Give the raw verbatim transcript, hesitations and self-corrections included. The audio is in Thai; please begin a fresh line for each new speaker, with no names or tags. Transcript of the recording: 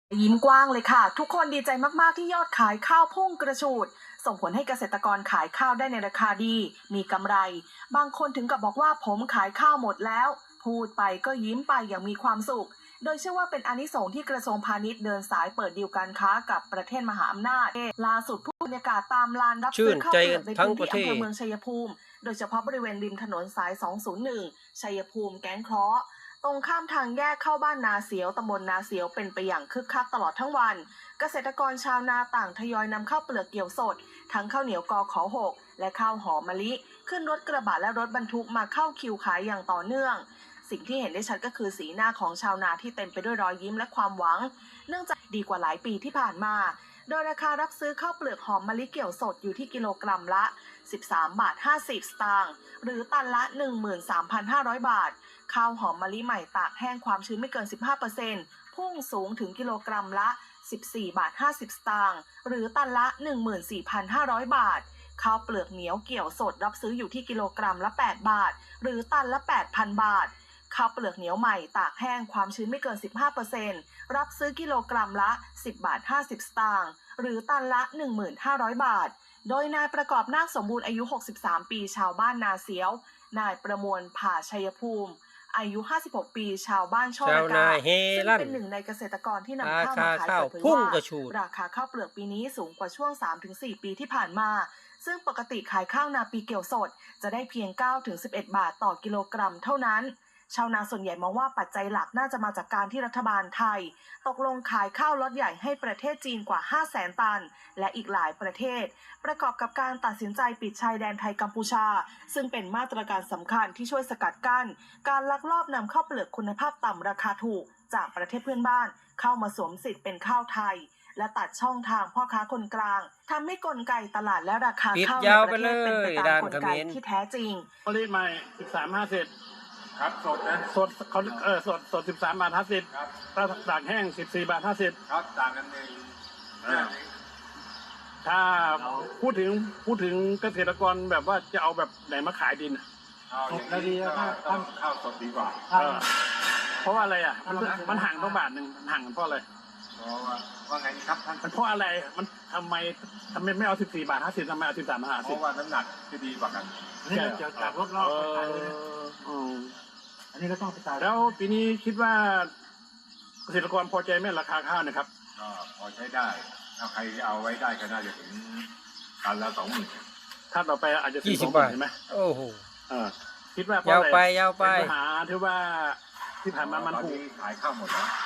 ยิ้มกว้างเลยค่ะทุกคนดีใจมากๆที่ยอดขายข้าวพุ่งกระฉูดส่งผลให้เกษตรกรขายข้าวได้ในราคาดีมีกำไรบางคนถึงกับบอกว่าผมขายข้าวหมดแล้วพูดไปก็ยิ้มไปอย่างมีความสุขโดยเชื่อว่าเป็นอานิสงส์ที่กระทรวงพาณิชย์เดินสายเปิดดีลการค้ากับประเทศมหาอำนาจล่าสุดผู้บรรยากาศตามลานรับซื้อข้าวเปลือกในพื้นที่อำเภอเมืองชัยภูมิโดยเฉพาะบริเวณริมถนนสายสองศูนย์หนึ่งชัยภูมิแก้งเคราะห์ตรงข้ามทางแยกเข้าบ้านนาเสียวตำบลนาเสียวเป็นไปอย่างคึกคักตลอดทั้งวันเกษตรกรชาวนาต่างทยอยนำข้าวเปลือกเกี่ยวสดทั้งข้าวเหนียวกอขอหกและข้าวหอมมะลิขึ้นรถกระบะและรถบรรทุกมาเข้าคิวขายอย่างต่อเนื่องสิ่งที่เห็นได้ชัดก็คือสีหน้าของชาวนาที่เต็มไปด้วยรอยยิ้มและความหวังเนื่องจากดีกว่าหลายปีที่ผ่านมาโดยราคารับซื้อข้าวเปลือกหอมมะลิเกี่ยวสดอยู่ที่กิโลกรัมละสิบสามบาทห้าสิบสตางค์หรือตันละ หนึ่งหมื่นสามพันห้าร้อย บาทข้าวหอมมะลิใหม่ตากแห้งความชื้นไม่เกิน สิบห้าเปอร์เซ็นต์ พุ่งสูงถึงกิโลกรัมละสิบสี่บาทห้าสิบสตางค์หรือตันละ หนึ่งหมื่นสี่พันห้าร้อย บาทข้าวเปลือกเหนียวเกี่ยวสดรับซื้ออยู่ที่กิโลกรัมละแปดบาทหรือตันละ แปดพัน บาทข้าวเปลือกเหนียวใหม่ตากแห้งความชื้นไม่เกิน สิบห้าเปอร์เซ็นต์ รับซื้อกิโลกรัมละสิบบาทห้าสิบสตางค์หรือตันละ หนึ่งหมื่นห้าร้อย บาทโดยนายประกอบนาคสมบูรณ์อายุหกสิบสามปีชาวบ้านนาเสียวนายประมวลผ่าชัยภูมิอายุห้าสิบหกปีชาวบ้านช่อระกาซึ่งเป็นหนึ่งในเกษตรกรที่นำข้าวมาขายเปิดเผยว่าราคาข้าวเปลือกปีนี้สูงกว่าช่วง สามถึงสี่ ปีที่ผ่านมาซึ่งปกติขายข้าวนาปีเกี่ยวสดจะได้เพียง เก้าถึงสิบเอ็ด บาทต่อกิโลกรัมเท่านั้นชาวนาส่วนใหญ่มองว่าปัจจัยหลักน่าจะมาจากการที่รัฐบาลไทยตกลงขายข้าวล็อตใหญ่ให้ประเทศจีนกว่า ห้าแสน ตันและอีกหลายประเทศประกอบกับการตัดสินใจปิดชายแดนไทยกัมพูชาซึ่งเป็นมาตรการสำคัญที่ช่วยสกัดกั้นการลักลอบนำข้าวเปลือกคุณภาพต่ำราคาถูกจากประเทศเพื่อนบ้านเข้ามาสวมสิทธิ์เป็นข้าวไทยและตัดช่องทางพ่อค้าคนกลางทำให้กลไกตลาดและราคาข้าวในประเทศเป็นไปตามกลไกที่แท้จริง
ผลิตใหม่สิบสามห้าสิบ
ครับสดนะ
สดเขาเออสดสดสิบสามบาทห้าสิบครับถ้าตากแห้งสิบสี่บาทห้าสิบ
ครับต่างกันเอง
ถ้าพูดถึงพูดถึงเกษตรกรแบบว่าจะเอาแบบไหนมาขายดิน
สดแล้วดีแล้วต้องข้าวสดดีกว่า
เพราะว่าอะไรอ่ะมันมันห่างต้องบาทหนึ่งห่างเพราะอะไร
เพราะว่าว่าไงครับท่าน
มันเพราะอะไรมันทำไมทำไมไม่เอาสิบสี่บาทห้าสิบทำไมเอาสิบสามบาทห้าสิบ
เพราะว่าน้ำหนักจะดีกว่ากัน
นี่เกี่ยวกับรถรอบไปขายเลยอันนี้ก็ต้องไปตายแล้วปีนี้คิดว่าเกษตรกรพอใจไหมราคาข้าวนะครับ
ก็พอใช้ได้ถ้าใครเอาไว้ได้ก็น่าจะถึงตันละสองหมื่น
ถ้าต่อไปอาจจะถึงสองหมื่นใช่ไหม
โอ้โห
เออคิดว่า
ยาวไปยาวไป
ปัญหาที่ว่าที่ผ่านมามันถูก
ขายข้าวหมดแล้ว